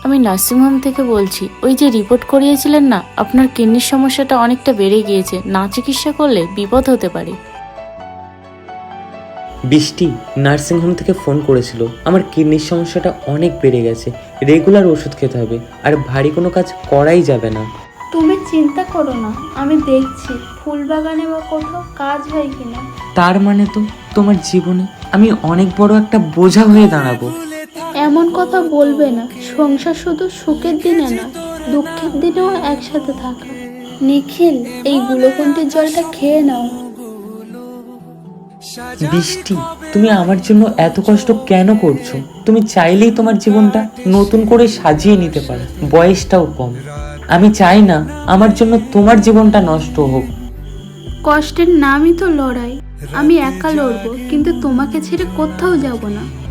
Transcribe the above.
আমি নার্সিংহোম থেকে বলছি। ওই যে রিপোর্ট করিয়েছিলেন না, আপনার কিডনির সমস্যাটা অনেকটা বেড়ে গিয়েছে, না চিকিৎসা করলে বিপদ হতে পারে। বৃষ্টি নার্সিংহোম থেকে ফোন করেছিল। আমার কিডনির সমস্যাটা অনেক বেড়ে গেছে, রেগুলার ওষুধ খেতে হবে, আর ভারী কোনো কাজ করাই যাবে না। তুমি চিন্তা করো না, আমি দেখছি ফুল বাগানে বা কোথাও কাজ হয় কিনা। তার মানে তো তোমার জীবনে আমি অনেক বড় একটা বোঝা হয়ে দাঁড়াবো। এমন কথা বলবে না, সংসার শুধু সুখের দিনে না, দুঃখের দিনেও একসাথে থাকা। নিখিল, এই গ্লুকন্ডির জলটা খেয়ে নাও। বৃষ্টি, তুমি আমার জন্য এত কষ্ট কেন করছো? তুমি চাইলেই তোমার জীবনটা নতুন করে সাজিয়ে নিতে পারো, বয়সটাও কম। আমি চাই না আমার জন্য তোমার জীবনটা নষ্ট হোক। কষ্টের নামই তো লড়াই। আমি একা লড়বো, কিন্তু তোমাকে ছেড়ে কোথাও যাব না।